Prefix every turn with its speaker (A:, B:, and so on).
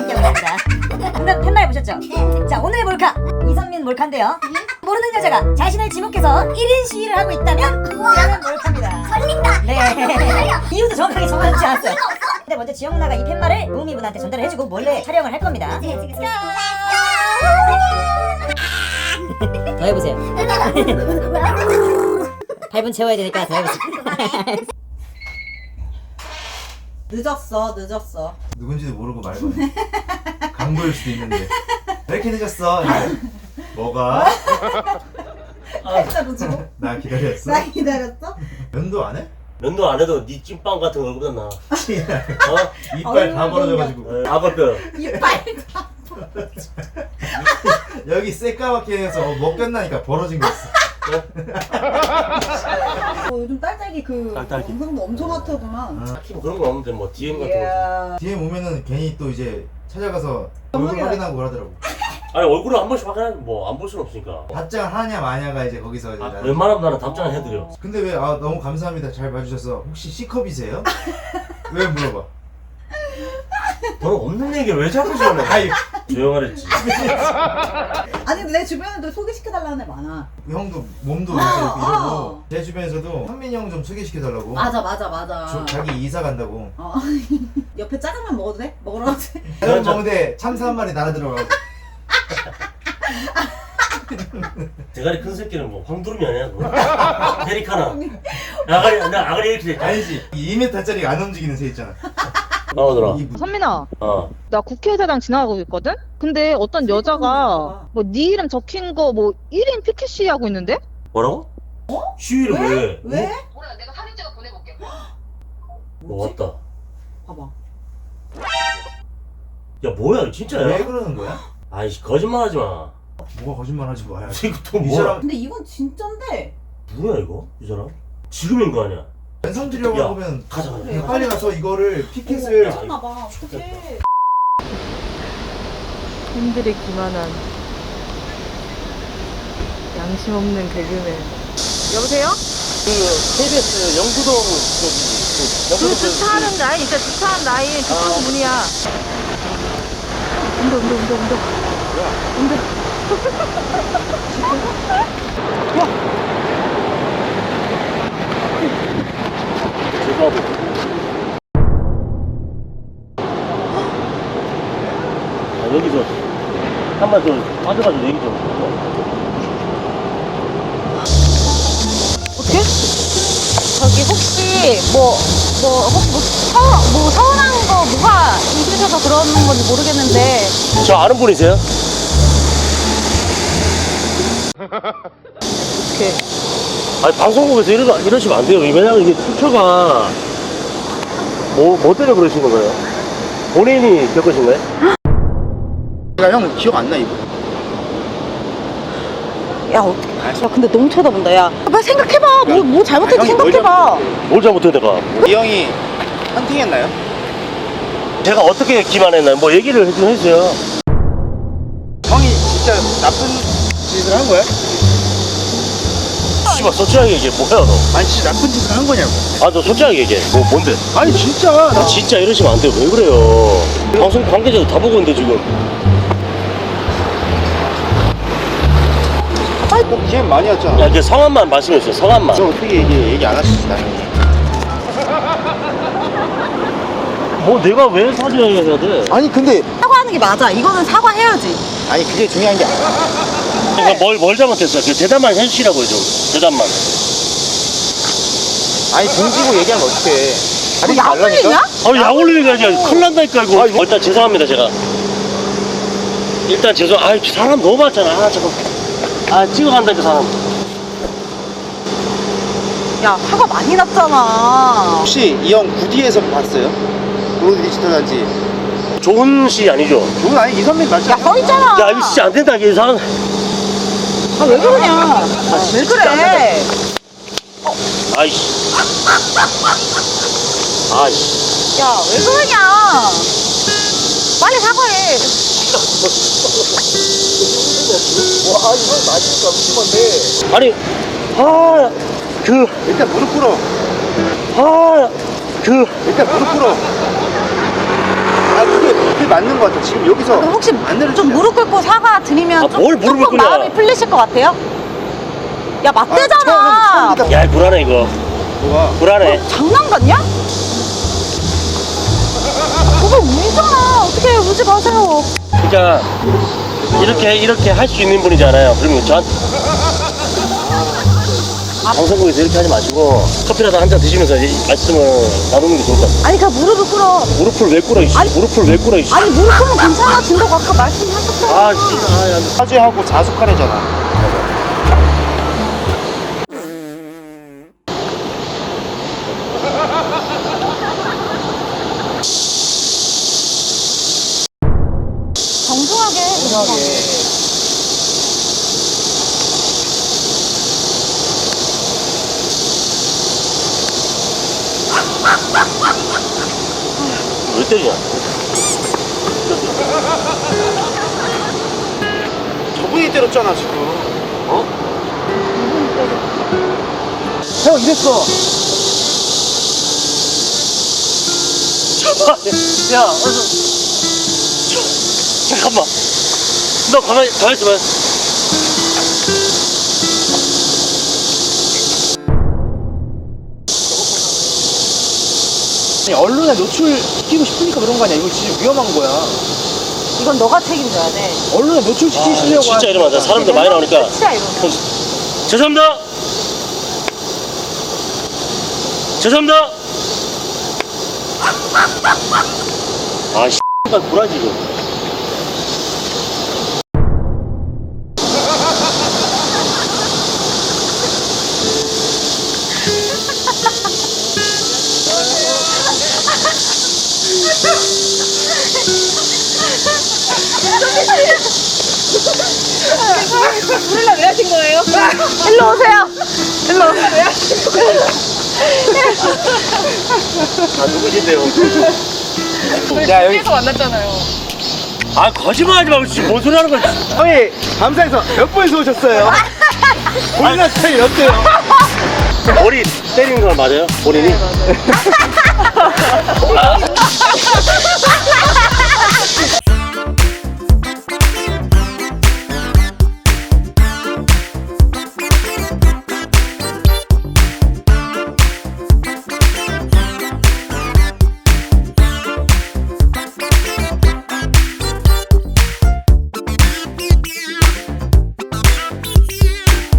A: 함께하고 있습니다. 오늘 팻말 보셨죠? 네. 자, 오늘의 몰카 이선민 몰카인데요. 모르는 여자가 자신을 지목해서 1인 시위를 하고 있다면 이라는 몰카입니다.
B: 걸린다.
A: 네. 이유도 정확하게 정하지 않았어요. 근데 먼저 지영 누나가 이 팻말을 무미분한테 전달을 해주고 몰래 촬영을 할 겁니다. 더 해보세요. 8분 채워야 되니까 더 해보세요.
C: 늦었어.
D: 누군지도 모르고 말 거네. 강도일 수도 있는데. 왜 이렇게 늦었어? 뭐가?
C: 팔자로 지고.
D: 나 기다렸어?
C: 나 기다렸어?
D: 면도 안 해?
E: 면도 안 해도 네 찐빵 같은 얼굴보다 나.
D: 이빨 다 벌어져가지고.
E: 악어뼈.
C: 이빨.
D: 여기 새까맣게 해서 먹겠나니까 벌어진 거 있어.
C: 요즘 딸딸기 그
E: 딸딸기.
C: 영상도 엄청 핫하구만.
E: 딱히 뭐 그런 거 없는데 뭐 DM 같은 거.
C: 이야.
D: DM 오면은 괜히 또 이제 찾아가서 얼굴 확인하고 그러더라고.
E: 아니 얼굴을 한 번씩 확인하면 뭐 안 볼 수는 없으니까.
D: 답장 하냐 마냐가 이제 거기서 이제 나는.
E: 웬만하면 나는 답장을 해드려.
D: 근데 왜 너무 감사합니다 잘 봐주셔서 혹시 C컵이세요? 왜 물어봐?
E: 너는 없는 얘기 왜 자꾸 전해?
D: 아이
E: 조용하랬지.
C: 아니 근데 내 주변에도 소개시켜달라는 애 많아.
D: 형도 몸도 이렇게 이러고 제 주변에서도 현민이 형 좀 소개시켜달라고.
C: 맞아.
D: 자기 이사 간다고.
C: 옆에 짜장면 먹어도 돼? 먹으러 가도 돼?
D: 짜장면 먹는데 참새 한 마리 날아들어가고.
E: 대가리 큰 새끼는 뭐 황두름이 아니야 그거? 페리카나. 나 아가리 이렇게 돼.
D: 아니지 2m짜리 안 움직이는 새 있잖아.
E: 나오더라.
F: 선민아,
E: 어.
F: 나 국회의사당 지나가고 있거든? 근데 어떤 여자가 뭐 네 이름 적힌 거 뭐 1인 피켓 시위하고 있는데?
E: 뭐라고? 시위를 왜?
C: 왜?
F: 몰라, 내가 사진 찍어 보내볼게.
E: 뭐 왔다.
C: 봐봐.
E: 야 뭐야 진짜야?
D: 왜 그러는 거야?
E: 아이씨 거짓말하지 마.
D: 뭐가 거짓말하지 마야.
E: 이거 또
D: 이
E: 뭐야?
D: 사람
C: 근데 이건 진짠데.
E: 뭐야 이거? 이 사람? 지금인 거 아니야?
D: 연상 주려고
E: 야.
D: 하면
E: 가자.
C: 그래.
D: 빨리 가서 이거를 피켓을
C: 미쳤나봐. 어떡해.
F: 팬들이 기만한 양심 없는 개그맨. 여보세요?
E: 그 KBS 영구동
F: 그 주차하는 라인 있어. 주차하는 라인 그쪽 문이야. 운동.
E: 제가도 여기서 한번 좀 빠져가지고 얘기 좀.
F: 어떻게? 저기 혹시 뭐 서운한 거 뭐가 있으셔서 그러는 건지 모르겠는데.
E: 저 아는 분이세요?
F: 어떻게?
E: 아니 방송국에서 이러시면 안 돼요. 왜냐면 이게 출처가 뭐 때문에 그러신 거예요? 본인이 겪으신 거예요?
D: 형 기억 안 나 이거?
F: 야 어떻게? 야 근데 너무 쳐다본다. 야 빨리 생각해봐. 뭐 잘못했지 생각해봐.
E: 뭘 잘못해 내가?
G: 이 형이 헌팅했나요?
E: 제가 어떻게 기만했나요? 뭐 얘기를 좀 해주세요.
G: 형이 진짜 나쁜 짓을 한 거야?
E: 씨발 솔직하게 얘기해. 뭐야 너?
G: 아니 진짜 나쁜 짓을 한 거냐고.
E: 아 너 솔직하게 얘기해. 뭔데?
G: 아니 진짜 나
E: 진짜 이러시면 안 돼요. 왜 그래요? 방송 관계자도 다 보고 있는데 지금.
G: 뭐 기회 많이 왔잖아.
E: 야 이제 성함만 말씀해 주세요. 성함만.
G: 저 어떻게 얘기 안 하시지 당연히.
E: 뭐 내가 왜 사죄해야 돼?
G: 아니 근데
C: 사과하는 게 맞아. 이거는 사과해야지.
G: 아니 그게 중요한 게 아니야.
E: 그러니까 뭘 잘못했어요? 그 대답만 해주시라고요 좀. 대답만.
G: 아니 등지고 얘기하면 어떡해.
C: 뭐 약 올리냐?
E: 아, 약 올리는 게 아니라 큰일 난다니까 이거. 일단 죄송합니다 제가. 일단 사람 너무 많잖아. 찍어간다니까 사람.
C: 야 화가 많이 났잖아.
G: 혹시 이 형 구디에서 봤어요? 브로드 디지털 단지.
E: 좋은 시 아니죠?
G: 그건 아니 이선민 맞지?
C: 야 써있잖아.
E: 야 이거 진짜 안 된다 이 사람.
C: 아 왜 그러냐? 왜 그래?
E: 아이씨. 아이씨.
C: 야 왜 그러냐? 빨리 사과해.
G: 와 이건 맞으니까 무슨 건데.
E: 아니
G: 일단 무릎 꿇어. 일단 무릎 꿇어. 아 그게 맞는 것 같아. 지금 여기서
C: 그럼 혹시
G: 안 내려주냐?
C: 좀 무릎 꿇고 사과 드리면
E: 아, 뭘 무릎을
C: 조금
E: 꿇냐.
C: 마음이 풀리실 것 같아요? 야 맞대잖아.
G: 처음이다.
E: 야, 불안해, 이거.
G: 뭐가?
E: 불안해.
C: 장난 같냐? 그거 울잖아. 어떻게 울지 마세요.
E: 그러니까, 이렇게 할 수 있는 분이잖아요. 그러면 방송국에서 이렇게 하지 마시고, 커피라도 한 잔 드시면서 이 말씀을 나누는 게 좋을 것 같아요.
C: 아니 그냥 무릎을 꿇어.
E: 무릎을 왜 꿇어, 이씨. 무릎을 왜 꿇어, 이씨.
C: 아니 무릎 꿇으면 괜찮아진다고 아까 말씀하셨잖아요.
E: 아, 씨.
G: 사죄하고 자숙하래잖아.
C: 정중하게.
E: 왜 때리냐?
G: 저분이 때렸잖아 지금.
E: 어? 형, 이랬어. 야, 잠깐만. 너 가만히 있어봐.
B: 언론에 노출시키고 싶으니까 그런 거 아니야. 이거 진짜 위험한 거야.
C: 이건 너가 책임져야 돼.
B: 언론에 노출시키시려고
E: 진짜 이러면 안 돼. 사람들 많이 나오니까.
C: 끝이야 이러면.
E: 죄송합니다. 죄송합니다. 아, 씨발 불하지 이거.
F: 부르려 왜 하신 거예요?
C: 일로 오세요. 일로 오세요.
E: 아, 누구신데요?
B: 야 여기
F: 만났잖아요.
E: 아, 거짓말하지 말고 지금 뭔 소리 하는 거야?
G: 형이 감사해서 몇 분에서 오셨어요? 본인의 스타일이 어때요?
E: 머리 때리는 거 맞아요? 본인이?
F: 네, 맞아요.